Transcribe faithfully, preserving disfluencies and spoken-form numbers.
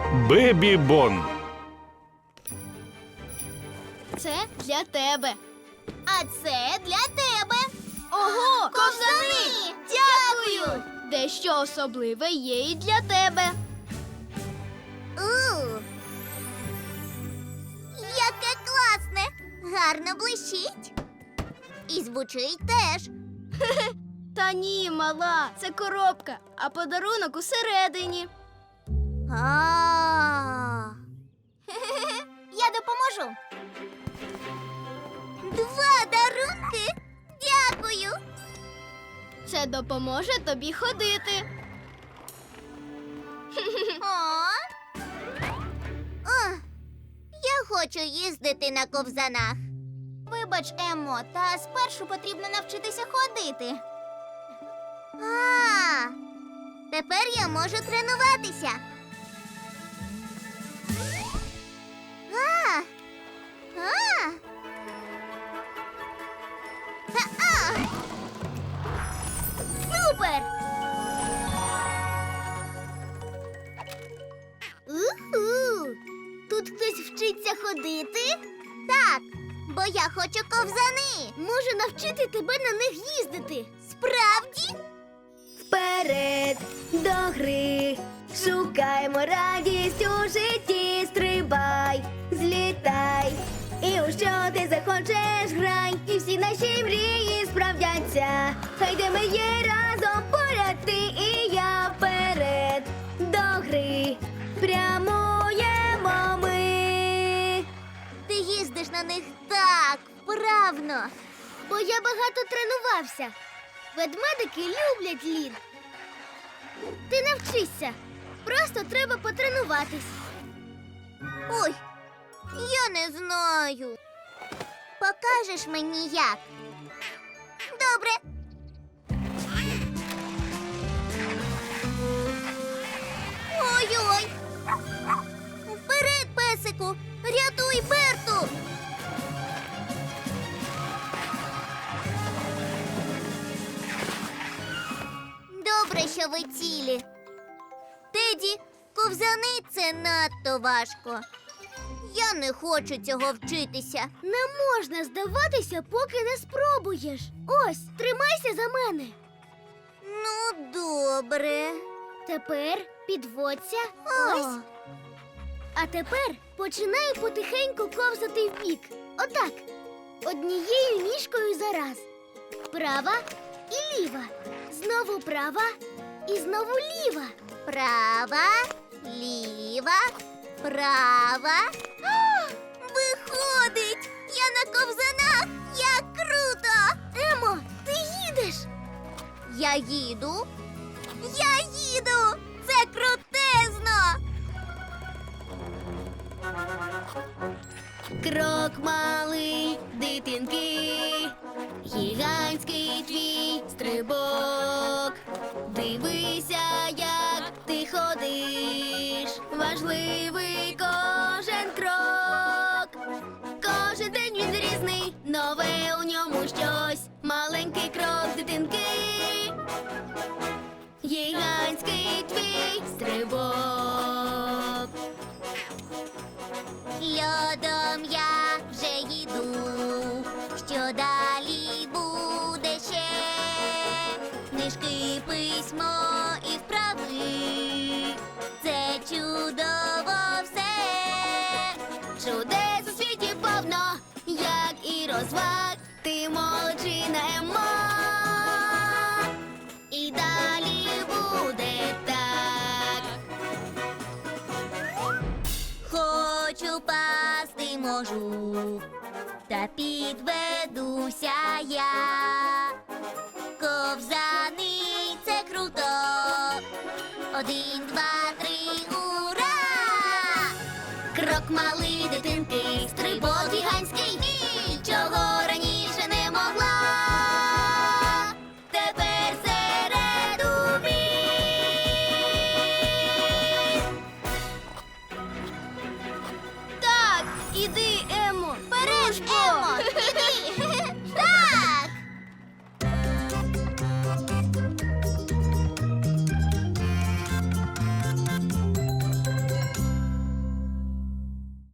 Бебі Бон. Це для тебе. А це для тебе. Ого, ковзани! Дякую! Дещо особливе є і для тебе. У, яке класне! Гарно блищить. І звучить теж. Та ні, мала, це коробка, а подарунок усередині. А. Я допоможу. Два дарунки. Дякую. Це допоможе тобі ходити. О. О, я хочу їздити на ковзанах. Вибач, Еммо, та спершу потрібно навчитися ходити. А, тепер я можу тренуватися. А, а. А-а. Супер! Уху! Тут хтось вчиться ходити? Так, бо я хочу ковзани. Можу навчити тебе на них їздити. Справді? Вперед до гри, шукаймо радість у житті, стрибай, злітай, і у що ти захочеш грай, і всі наші мрії справдяться. Хай де ми є разом поряд ти і я, вперед до гри, прямуємо ми. Ти їздиш на них так вправно. Бо я багато тренувався. Ведмедики люблять лід. Ти навчишся. Просто треба потренуватись. Ой, я не знаю. Покажеш мені як? Добре. Ой-ой. Вперед, песику. Рятуй Берту. Добре, що ви цілі. Теді, ковзани – це надто важко. Я не хочу цього вчитися. Не можна здаватися, поки не спробуєш. Ось, тримайся за мене. Ну, добре. Тепер підводься. О. Ось. А тепер починаю потихеньку ковзати вбік. Отак. Однією ніжкою за раз. Права і ліва. Знову права і знову ліва. Права, ліва, права. О, виходить! Я на ковзанах! Як круто! Емо, ти їдеш? Я їду. Я їду! Це крутезно! Крок малий, дитинки, гігантський твій стрибок. Дивися, як ти ходиш, важливий кожен крок. Кожен день він різний, нове у ньому щось. Маленький крок дитинки, гігантський твій стрибок. Льодом я вже їду. Що далі буде ще? Книжки, письмо і вправи. Це чудово все. Чудес у світі повно, як і розваг. Ти молодчина, Еммо. І далі буде так. Хочу пасти можу, та підведуся я. Ковзани – це круто. Один, два, три, ура! Крок малий,